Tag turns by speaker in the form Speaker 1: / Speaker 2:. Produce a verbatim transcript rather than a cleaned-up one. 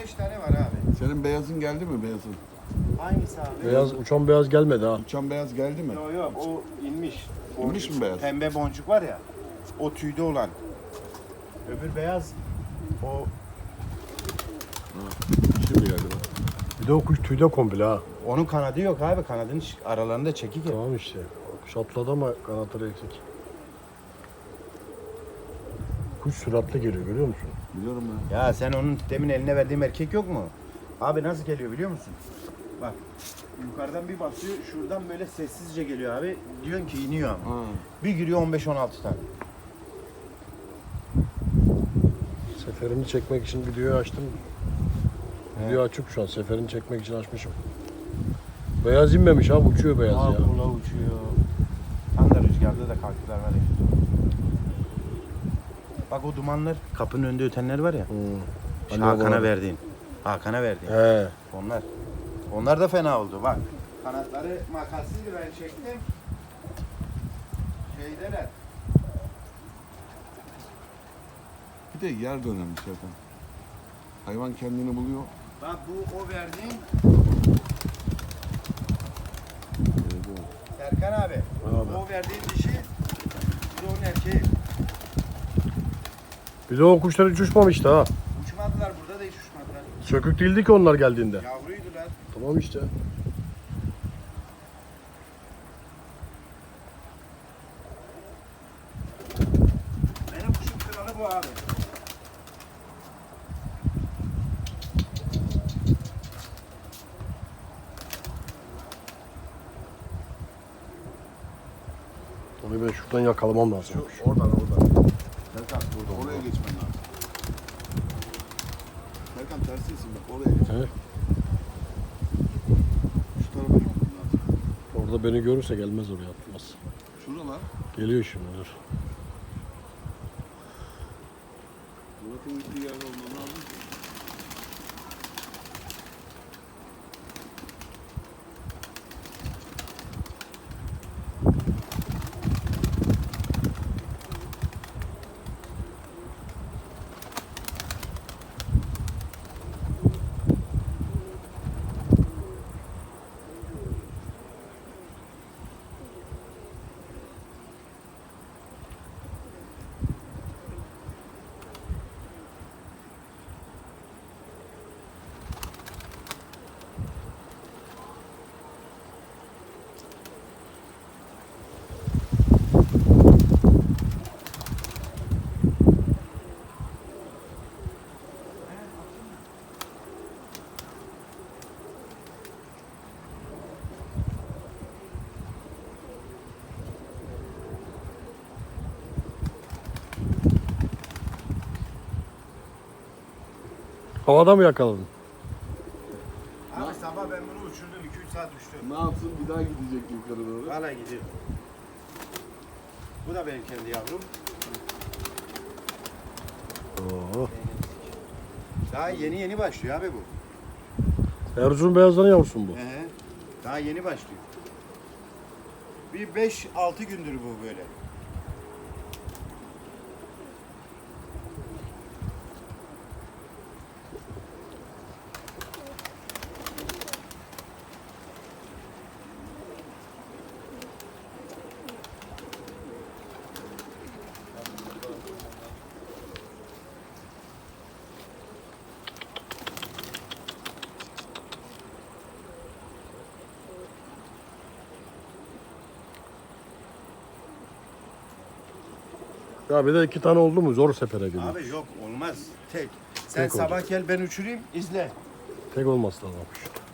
Speaker 1: beş tane var abi.
Speaker 2: Senin beyazın geldi mi beyazın?
Speaker 1: Hangisi abi?
Speaker 3: Beyaz, uçan beyaz gelmedi ha.
Speaker 2: Uçan beyaz geldi mi?
Speaker 1: Yok yok o inmiş.
Speaker 2: İnmiş mi beyaz?
Speaker 1: Pembe boncuk var ya. O tüyde olan. Öbür beyaz o
Speaker 2: Şimdi geldi bak.
Speaker 3: Bir de o kuş tüyde komple ha.
Speaker 1: onun kanadı yok abi. Kanadının aralarında çekik ya.
Speaker 3: Tamam işte. Kuş atladı ama kanatları eksik. Kuş süratli geliyor görüyor musun?
Speaker 2: Biliyorum ya.
Speaker 1: Ya sen onun demin eline verdiğim erkek yok mu? Abi nasıl geliyor biliyor musun? Bak yukarıdan bir basıyor, şuradan böyle sessizce geliyor abi. Diyorsun ki iniyor ama.
Speaker 2: Ha.
Speaker 1: Bir giriyor on beş on altı tane.
Speaker 3: Seferini çekmek için videoyu açtım. Video açık şu an. Seferini çekmek için açmışım. Beyaz inmemiş abi. Uçuyor beyaz
Speaker 1: Aa,
Speaker 3: ya.
Speaker 1: kula uçuyor. Tam da rüzgarda da kalktılar var ya. Bak o dumanlar, kapının önünde ötenler var ya.
Speaker 3: Hmm.
Speaker 1: İşte
Speaker 3: Hani
Speaker 1: Hakan'a
Speaker 3: o-
Speaker 1: verdiğin. Hakan'a verdiğin.
Speaker 3: He.
Speaker 1: Onlar. Onlar da fena oldu bak. Kanatları makassızdı ben çektim. Şeydeler.
Speaker 2: Bir de yer de önemli zaten. Hayvan kendini buluyor.
Speaker 1: Bak bu o verdiğin
Speaker 2: Evet,
Speaker 1: Serkan abi.
Speaker 3: Abi.
Speaker 1: O verdiğin dişi bu da onun erkeği.
Speaker 3: Bir de o kuşlar hiç uçmamıştı ha.
Speaker 1: Uçmadılar burada da hiç uçmadılar.
Speaker 3: Sökük değildi ki onlar geldiğinde.
Speaker 1: Yavruydular.
Speaker 3: Tamam işte.
Speaker 1: Benim kuşun kralı bu abi.
Speaker 3: Onu ben şuradan yakalamam lazım.
Speaker 2: Şu oradan oradan. Serkan burada oraya geçmen lazım. Serkan tersisin bak oraya geç.
Speaker 3: He?
Speaker 2: Şu tarafa gitmen lazım.
Speaker 3: Orada beni görürse gelmez oraya atmaz.
Speaker 2: Şuralar.
Speaker 3: Geliyor şimdi dur.
Speaker 2: Murat'ın gittiği yerde olman lazım ki.
Speaker 3: Havada mı yakaladın?
Speaker 1: Abi sabah ben bunu uçurdum. iki üç saat uçtu.
Speaker 2: Ne yapsın bir daha gidecek yukarı doğru.
Speaker 1: Valla gidiyor. Bu da benim kendi yavrum.
Speaker 3: Oo.
Speaker 1: Daha yeni yeni başlıyor abi bu.
Speaker 3: Erzurum beyazların yavrusun bu.
Speaker 1: Hı hı. Daha yeni başlıyor. Bir beş altı gündür bu böyle.
Speaker 3: Ya bir de iki tane oldu mu zor sefere geliyor.
Speaker 1: Abi yok olmaz. Tek. Sen
Speaker 3: Tek olacak.
Speaker 1: sabah gel ben uçurayım izle.
Speaker 3: Tek olması lazım kuş.